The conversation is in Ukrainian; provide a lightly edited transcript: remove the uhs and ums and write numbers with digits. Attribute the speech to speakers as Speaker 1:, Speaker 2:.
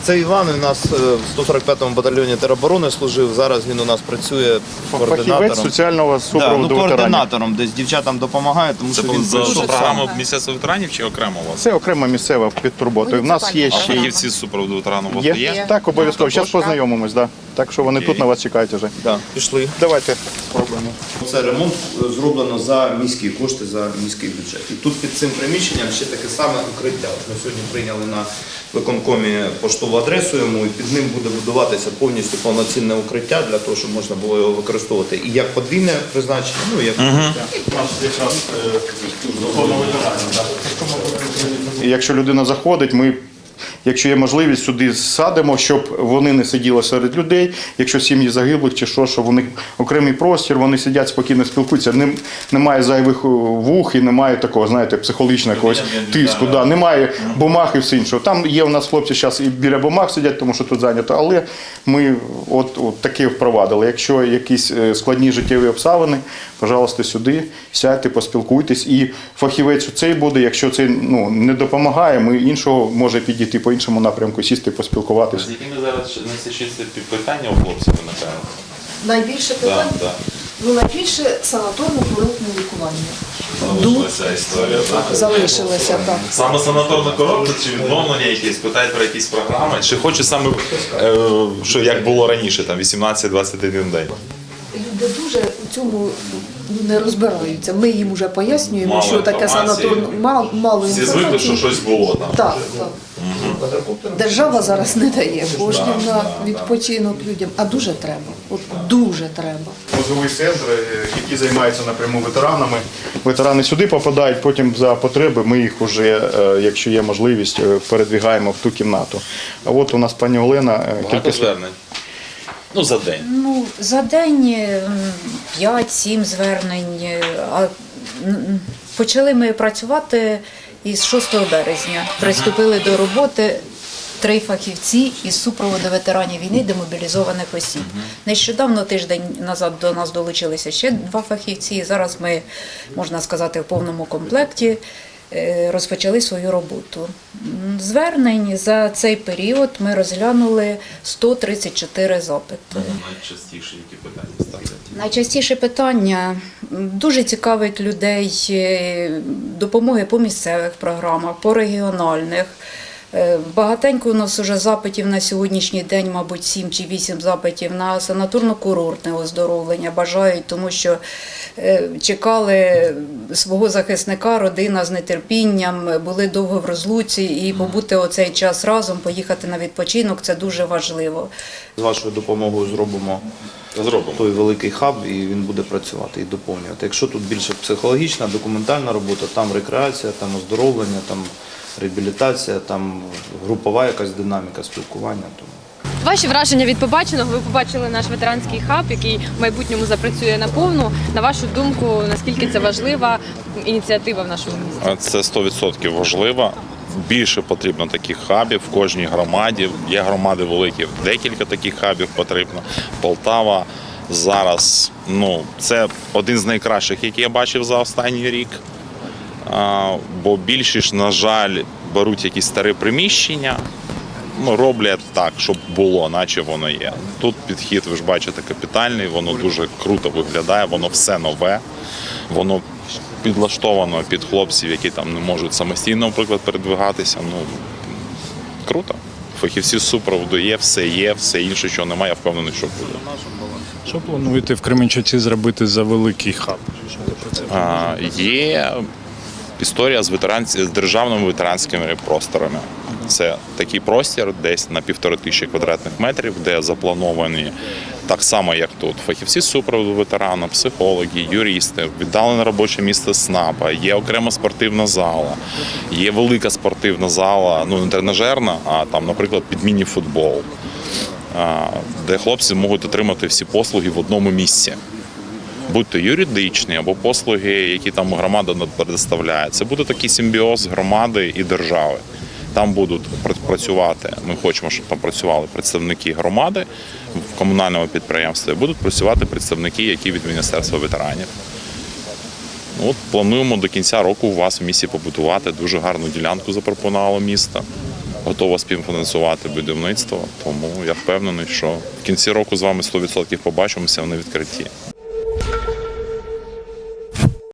Speaker 1: Це Іван, він у нас в 145-му батальйоні тероборони служив, зараз він у нас працює
Speaker 2: Фахівець
Speaker 1: координатором.
Speaker 2: соціального супроводу ветеранів.
Speaker 1: Координатором, десь дівчатам допомагає, тому що він
Speaker 3: За
Speaker 1: прийшов
Speaker 3: програму
Speaker 1: сам.
Speaker 3: Міністерства ветеранів чи окремо у вас?
Speaker 2: Це окрема місцева під турботою. У нас є
Speaker 3: А
Speaker 2: ще
Speaker 3: фахівці з супроводу ветеранів у вас є?
Speaker 2: Так, обов'язково. Зараз познайомимось, да. Так що вони тут на вас чекають вже.
Speaker 1: Да, пішли.
Speaker 2: Давайте спробуємо.
Speaker 1: Це ремонт зроблено за міські кошти, за міський бюджет. І тут під цим приміщенням ще таке саме укриття. Ми сьогодні прийняли на виконкомі поштову адресу йому, і під ним буде будуватися повністю повноцінне укриття для того, щоб можна було його використовувати і як подвійне призначення, ну і як укриття.
Speaker 2: І якщо людина заходить, ми, якщо є можливість, сюди садимо, щоб вони не сиділи серед людей, якщо сім'ї загиблих чи що, щоб у них окремий простір, вони сидять спокійно, спілкуються, немає зайвих вух і немає такого, знаєте, психологічного якогось тиску, да, немає бумаг і все іншого. Там є у нас хлопці зараз і біля бумаг сидять, тому що тут зайнято, але ми от таке впровадили. Якщо якісь складні життєві обставини, пожалуйста, сюди, сядьте, поспілкуйтесь, і фахівець цей буде, якщо це не допомагає, ми іншого може підійти по іншому напрямку, сісти, поспілкуватися.
Speaker 3: З якими зараз найчастіше питання у хлопців виникають?
Speaker 4: Найбільше питань?
Speaker 3: Да.
Speaker 4: Ну, найбільше санаторно-курортне лікування.
Speaker 3: Залишилася історія, так?
Speaker 4: Залишилося, так.
Speaker 3: Саме санаторна коробка чи відновлення якісь, питають про якісь програми, чи хочуть саме, що як було раніше, там 18-21 день?
Speaker 4: Люди дуже у цьому не розбираються. Ми їм вже пояснюємо,
Speaker 3: Мало
Speaker 4: що таке
Speaker 3: інформації.
Speaker 4: санаторно, мало
Speaker 3: Всі звикли,
Speaker 4: інформації.
Speaker 3: що щось було там.
Speaker 4: Так, так. Держава зараз не дає коштів
Speaker 3: Да,
Speaker 4: на
Speaker 3: да,
Speaker 4: відпочинок людям, а дуже треба. От дуже треба.
Speaker 2: Мозговий центр, який займається напряму ветеранами. Ветерани сюди попадають, потім за потреби ми їх вже, якщо є можливість, передвигаємо в ту кімнату. А от у нас пані Олена
Speaker 3: Багато звернень? Ну, за день.
Speaker 5: Ну, за день 5-7 звернень. Почали ми працювати із 6 березня. Приступили до роботи 3 фахівці із супроводу ветеранів війни, демобілізованих осіб. Нещодавно, тиждень назад, до нас долучилися ще 2 фахівці. Зараз ми, можна сказати, в повному комплекті розпочали свою роботу. Звернень за цей період ми розглянули 134 запити.
Speaker 3: Найчастіше які питання ставлять?
Speaker 5: Найчастіше питання дуже цікавить людей допомоги по місцевих програмах, по регіональних. Багатенько у нас вже запитів на сьогоднішній день, мабуть, 7 чи 8 запитів на санаторно-курортне оздоровлення бажають, тому що чекали свого захисника, родина з нетерпінням, були довго в розлуці і побути оцей час разом, поїхати на відпочинок – це дуже важливо.
Speaker 1: З вашою допомогою зробимо той великий хаб, і він буде працювати і доповнювати. Якщо тут більше психологічна, документальна робота, там рекреація, там оздоровлення, там реабілітація, там групова якась динаміка спілкування.
Speaker 6: Ваші враження від побаченого? Ви побачили наш ветеранський хаб, який в майбутньому запрацює наповну. На вашу думку, наскільки це важлива ініціатива в нашому місті?
Speaker 3: Це 100% важливо. Більше потрібно таких хабів в кожній громаді. Є громади великі, декілька таких хабів потрібно. Полтава зараз, це один з найкращих, який я бачив за останній рік. Бо більшість, на жаль, беруть якісь старі приміщення, роблять так, щоб було, наче воно є. Тут підхід, ви ж бачите, капітальний, воно дуже круто виглядає, воно все нове, воно підлаштовано під хлопців, які там не можуть самостійно, наприклад, передвигатися. Круто. Фахівці з супроводу є, все інше, що немає, я впевнений, що буде.
Speaker 7: Що плануєте в Кременчуці зробити за великий хаб?
Speaker 3: Є історія з державними ветеранськими просторами. Це такий простір десь на 1500 квадратних метрів, де заплановані так само, як тут, фахівці з супроводу ветерана, психологи, юристи, віддалене робоче місце СНАПа, є окрема спортивна зала, є велика спортивна зала, не тренажерна, а там, наприклад, під міні-футбол, де хлопці можуть отримати всі послуги в одному місці. Будь-то юридичні або послуги, які там громада предоставляє. Це буде такий симбіоз громади і держави. Там будуть працювати, ми хочемо, щоб там працювали представники громади в комунальному підприємстві, будуть працювати представники, які від Міністерства ветеранів. Плануємо до кінця року у вас в місті побудувати, дуже гарну ділянку запропонувало місто. готова співфінансувати будівництво. Тому я впевнений, що в кінці року з вами 100% побачимося, вони відкриті.